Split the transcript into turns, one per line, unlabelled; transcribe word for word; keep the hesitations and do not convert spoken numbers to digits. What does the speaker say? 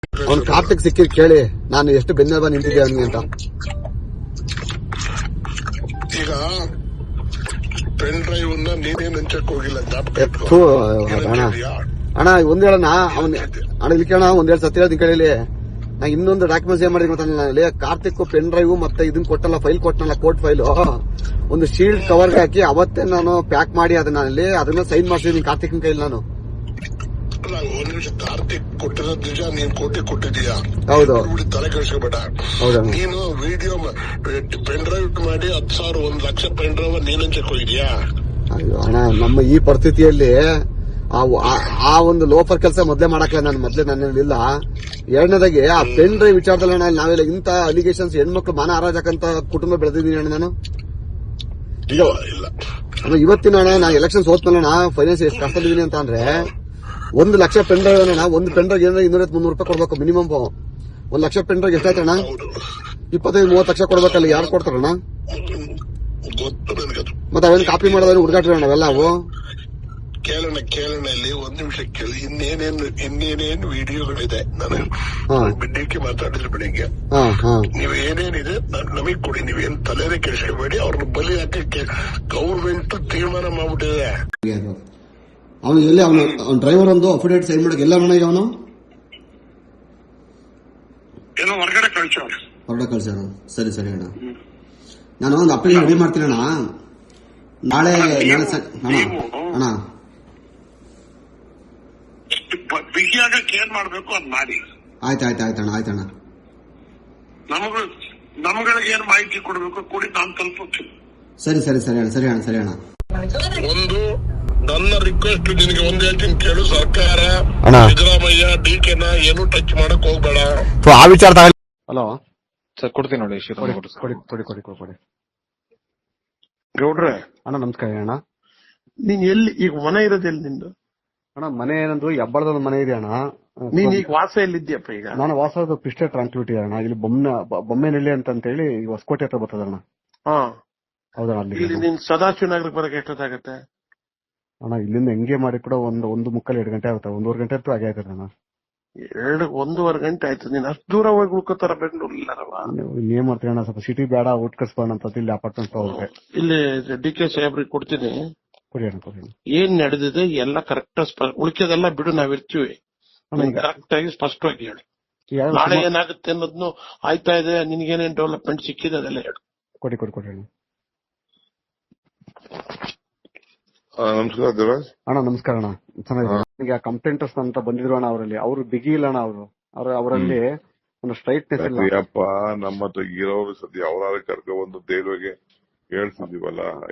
ಅವ್ನು ಕಾರ್ತಿಕ್ ಸಿಕ್ಕಿ ಕೇಳಿ ನಾನು ಎಷ್ಟು ಬೆನ್ನೆಲುಬ ನಿಂತಿದ್ದೆ ಅವನಿಗೆ ಅಂತ.
ಈಗ ಪೆನ್ ಡ್ರೈವ್ ನೀನೇನ್ ಹಂಚಕ್ ಹೋಗಿಲ್ಲ.
ಅಣ್ಣ ಅಣ್ಣ ಒಂದ್ ಹೇಳಣ್ಣ ಅವ್ನ ಅಣ್ಣ ಇಲ್ಲಿ ಕೇಳೋಣ ಒಂದ್ ಹೇಳಿ ಸತ್ಯ ಹೇಳ್ತೀನಿ ಕೇಳಿ. ನಾ ಇನ್ನೊಂದು ಡಾಕ್ಯುಮೆಂಟ್ಸ್ ಏನ್ ಮಾಡಿದ್ವಿ ಗೊತ್ತಾಗಲ್ಲ, ಕಾರ್ತಿಕ್ ಪೆನ್ ಡ್ರೈವ್ ಮತ್ತೆ ಇದನ್ ಕೊಟ್ಟಲ್ಲ, ಫೈಲ್ ಕೊಟ್ಟನಲ್ಲ, ಕೋರ್ಟ್ ಫೈಲ್ ಒಂದು ಶೀಲ್ಡ್ ಕವರ್ಗೆ ಹಾಕಿ ಅವತ್ತೇ ನಾನು ಪ್ಯಾಕ್ ಮಾಡಿ ಅದನ್ನ ಅಲ್ಲಿ ಅದನ್ನ ಸೈನ್ ಮಾಡ್ಸಿದೀನಿ ಕಾರ್ತಿಕ್ನ ಕೈಲಿ ನಾನು.
ಒಂದ್ ನಿಮಿಷ, ಕಾರ್ತಿಕ್ ಕೊಟ್ಟಿರೋದ್ ನಿಜ, ನೀನ್ ಕೋಟಿ ಕೊಟ್ಟಿದೀಯಾ?
ಹೌದು.
ತಲೆ ಕೆಡಿಸ್ಕೋಬೇಡ. ನೀನು ವಿಡಿಯೋ ಪೆನ್ ಡ್ರೈವ್ ಮಾಡಿ ಹತ್ತು ಸಾವಿರ ಒಂದ್ ಲಕ್ಷ ಪೆನ್ ಡ್ರೈವ್ ನೀನ್ ಹಂಚಕ್ ಹೋಗಿದ್ಯಾ?
ಅಯ್ಯೋ ಅಣ್ಣ, ನಮ್ಮ ಈ ಪರಿಸ್ಥಿತಿಯಲ್ಲಿ ಆ ಒಂದು ಲೋಫರ್ ಕೆಲಸ ಮೊದ್ಲೇ ಮಾಡಕ್ಲ ನಾನು ಮೊದ್ಲೇ ನನ್ನಿಲ್ಲ. ಎರಡನೇದಾಗಿ ಆ ಪೆನ್ ಡ್ರೈವ್ ವಿಚಾರದಲ್ಲಿ ಅಣ್ಣ ನಾವೆಲ್ಲ ಇಂತ ಅಲಿಗೇಷನ್ಸ್ ಹೆಣ್ಮಕ್ಳು ಮಾನ ಹಾರಾಜಕಂತ ಕುಟುಂಬ ಬೆಳೆದಿದ್ದೀನಿ ಅಣ್ಣ ನಾನು. ಈಗ ಇವತ್ತಿನ ಅಣ್ಣ ನಾ ಎಲೆಕ್ಷನ್ ಸೋತ್ಮೇಲೆ ಫೈನಾನ್ಸ್ ಎಷ್ಟು ಕಷ್ಟದಿದ್ದೀನಿ ಅಂತ ಅಂದ್ರೆ ಒಂದು ಲಕ್ಷ ಪೆನ್ ಡ್ರೈವ್ ಅಣ್ಣ, ಒಂದು ಪೆನ್ ಡ್ರೈವ್ ಏನಾದ್ರೆ ಇನ್ನೂರ ಮುನ್ನೂರು ರೂಪಾಯಿ ಕೊಡ್ಬೇಕು ಮಿನಿಮಮ್. ಒಂದ್ ಲಕ್ಷ ಪೆನ್ ಡ್ರೈವ್ ಎಷ್ಟಾಯ್ತಣ್ಣ? ಇಪ್ಪತ್ತೈದು ಮೂವತ್ತು ಲಕ್ಷ ಕೊಡ್ಬೇಕಲ್ಲ, ಯಾರು ಕೊಡ್ತಾರಣ್ಣ? ಮತ್ತೆ ಅವೇನು ಕಾಪಿ ಮಾಡೋದ್ರೆ ಹುಡುಗಾಟ್ರಿ ಅಣ್ಣ ಅವೆಲ್ಲ ಅವು.
ಕೇಳೋಣ ಕೇಳೋಣ ಇಲ್ಲಿ ಒಂದ್ ನಿಮಿಷ ಕೇಳಿ. ಇನ್ನೇನೇನು ಇನ್ನೇನೇನು ವಿಡಿಯೋಗಳಿದೆ, ನಾನು ಬಿಡ್ಡಿಕ್ಕೆ ಮಾತಾಡಿದ್ರೆ ಬೆಳಿಗ್ಗೆ. ನೀವು ಏನೇನಿದೆ ನಮಗ್ ಕೊಡಿ, ನೀವೇನ್ ತಲೆನೇ ಕೆಡಿಸ್ಕೋಬೇಡಿ. ಅವ್ರನ್ನ ಬಲಿ ಹಾಕಕ್ಕೆ ಗೌರ್ಮೆಂಟ್ ತೀರ್ಮಾನ ಮಾಡ್ಬಿಟ್ಟಿದೆ.
ಅವನು ಎಲ್ಲಿ ಅವನು ಅವ್ನ ಡ್ರೈವರ್ ಒಂದು ಅಫಿಡೇಟ್ ಸೈನ್ ಮಾಡಕ್ ಎಲ್ಲ ಅಣ್ಣ. ಈಗ ಅವನು
ಏನೋ ಹೊರಗಡೆ ಕಳ್ಸೋಣ,
ಹೊರಗಡೆ ಕಳ್ಸೋಣ. ಸರಿ ಸರಿ ಅಣ್ಣ, ನಾನು ಒಂದು ಅಪ್ಲಿಕೇಶನ್ ರೆಡಿ ಮಾಡ್ತೀನಿ ಅಣ್ಣ. ನಾಳೆ ನಾಳೆ ಅಣ್ಣ ಅಣ್ಣ
ಬಿಗಿಯಾಗಕ್ಕೆ ಏನ್ ಮಾಡ್ಬೇಕು ಅದ್ ಮಾಡಿ.
ಆಯ್ತು ಆಯ್ತು ಆಯ್ತಣ್ಣ ಆಯ್ತಣ್ಣ.
ನಮಗ ನಮ್ಗಳಿಗೆ ಏನ್ ಮಾಹಿತಿ ಕೊಡ್ಬೇಕು ಕೊಡಿ, ನಾನು ತಲುಪುತ್ತೀನಿ.
ಸರಿ ಸರಿ ಸರಿ ಅಣ್ಣ ಸರಿ ಅಣ್ಣ ಸರಿ ಅಣ್ಣ.
ಒಂದು ನನ್ನ ರಿಕ್ವೆಸ್ಟ್ ನಿನಗೆ ಒಂದ್ ಹೇಳ್ತೀನಿ ಕೇಳು. ಸರ್ಕಾರ ಸಿದ್ದರಾಮಯ್ಯ ಡಿ ಕೆನ ಏನು ಟಚ್ ಮಾಡಕ್ ಹೋಗ್ಬೇಡ.
ಆ ವಿಚಾರ ತಗೊಳ್ಳಿ. ಹಲೋ
ಸರ್, ಕೊಡ್ತೀನಿ ನೋಡಿ.
ಕೊಡಿ ಕೊಡಿ ಕೊಡಿ ಕೊಡಿ.
ಗೌಡ್ರೆ
ಅಣ್ಣ ನಮಸ್ಕಾರ ಅಣ್ಣ.
ನೀನ್ ಎಲ್ಲಿ ಈಗ ಮನೆ ಇರೋದು ಎಲ್ಲಿ ನಿಂದು?
ಅಣ್ಣ ಮನೆ ಏನಂದ್ರು ಹೆಬ್ಬಳದ ಒಂದು ಮನೆ ಇದೆ ಅಣ್ಣ.
ನೀನ್ ಈಗ ವಾಸ ಎಲ್ಲಿದ್ಯಪ್ಪ? ಈಗ
ನಾನು ವಾಸದ ಪಿಸ್ಟೆ ಟ್ರಾನ್ಸ್ಪಿಟಿ ಅಣ್ಣ. ಇಲ್ಲಿ ಬೊಮ್ಮೆ ಬೊಮ್ಮೆನಹಳ್ಳಿ ಅಂತ ಹೇಳಿ ಹೊಸಕೋಟೆ ಹತ್ರ ಬರ್ತದಣ್ಣ.
ಹಾ
ಹೌದಣ್ಣ. ಅಲ್ಲಿ
ಇಲ್ಲಿ ನೀನ್ ಸದಾಶಿವನಗರಕ್ಕೆ ಬರಕ್ಕೆ ಎಷ್ಟೊತ್ತಾಗತ್ತೆ
ಅಣ್ಣ? ಇಲ್ಲಿಂದ ಹೆಂಗೆ ಮಾಡಿ ಕೂಡ ಒಂದು ಒಂದು ಮುಕ್ಕಲ್ ಎರಡು ಗಂಟೆ ಆಗುತ್ತೆ, ಒಂದೂವರೆ ಗಂಟೆ ಅಂತೂ ಆಗೇ ಆಯ್ತದೆ ಅಣ್ಣ.
ಎರಡು ಒಂದೂವರೆ ಗಂಟೆ ಆಯ್ತು. ನೀನ್ ಅಷ್ಟು ದೂರ ಹೋಗಿ ಉಳ್ಕೋತಾರ ಬೆಂಗಳೂರು ಇಲ್ಲಾರವ?
ಏನ್ ಮಾಡ್ತೀವಿ ಅಣ್ಣ, ಸ್ವಲ್ಪ ಸಿಟಿ ಬೇಡ, ಊಟ ಕಳ್ಸ್ಬೋಣ ಅಂತ ಇಲ್ಲಿ ಅಪಾರ್ಟ್ಮೆಂಟ್ ಹೋಗ್ರೆ.
ಇಲ್ಲಿ ಡಿ ಕೆ ಸಾಹೇಬ್ರಿಗೆ ಕೊಡ್ತೀನಿ.
ಕೊಡಿ ಅಣ್ಣ ಕೊಡಿ.
ಏನ್ ನಡೆದಿದೆ ಎಲ್ಲ ಕರೆಕ್ಟ್, ಉಳಿಕೆದೆಲ್ಲ ಬಿಡು, ನಾವಿರ್ತೀವಿ. ಕರೆಕ್ಟ್ ಆಗಿ ಸ್ಪಷ್ಟವಾಗಿ ಹೇಳಿ. ನಾಳೆ ಏನಾಗುತ್ತೆ ಅನ್ನೋದ್ನು ಆಯ್ತಾ ಇದೆ, ನಿನ್ಗೇನೇನ್ ಡೆವಲಪ್ಮೆಂಟ್ ಸಿಕ್ಕಿದೆ ಅದೆಲ್ಲ ಹೇಳು.
ಕೊಡಿ ಕೊಡಿ ಕೊಡಿ ಅಣ್ಣ.
ನಮಸ್ಕಾರ ದೇವರಾಜ್
ಅಣ್ಣ. ನಮಸ್ಕಾರ ಅಣ್ಣ, ಚೆನ್ನಾಗಿದೆ. ಈಗ ಕಂಪ್ಲೇಂಟರ್ಸ್ ಅಂತ ಬಂದಿದ್ರು ಅಣ್ಣ, ಅವರಲ್ಲಿ ಅವರು ಬಿಗಿ ಇಲ್ಲ ಅಣ್ಣ. ಅವರು ಅವ್ರ ಅವರಲ್ಲಿ ಒಂದು ಸ್ಟ್ರೈಟ್ನೆಸ್ ಇಲ್ಲ.
ನಮ್ಮ ಹತ್ರ ಇರೋರು ಸದ್ಯ ಅವರಾದ್ರೆ ಕರ್ಕೊ ಬಂದು ದೇವ್ರಿಗೆ ಹೇಳ್ತಿದೀವಲ್ಲ.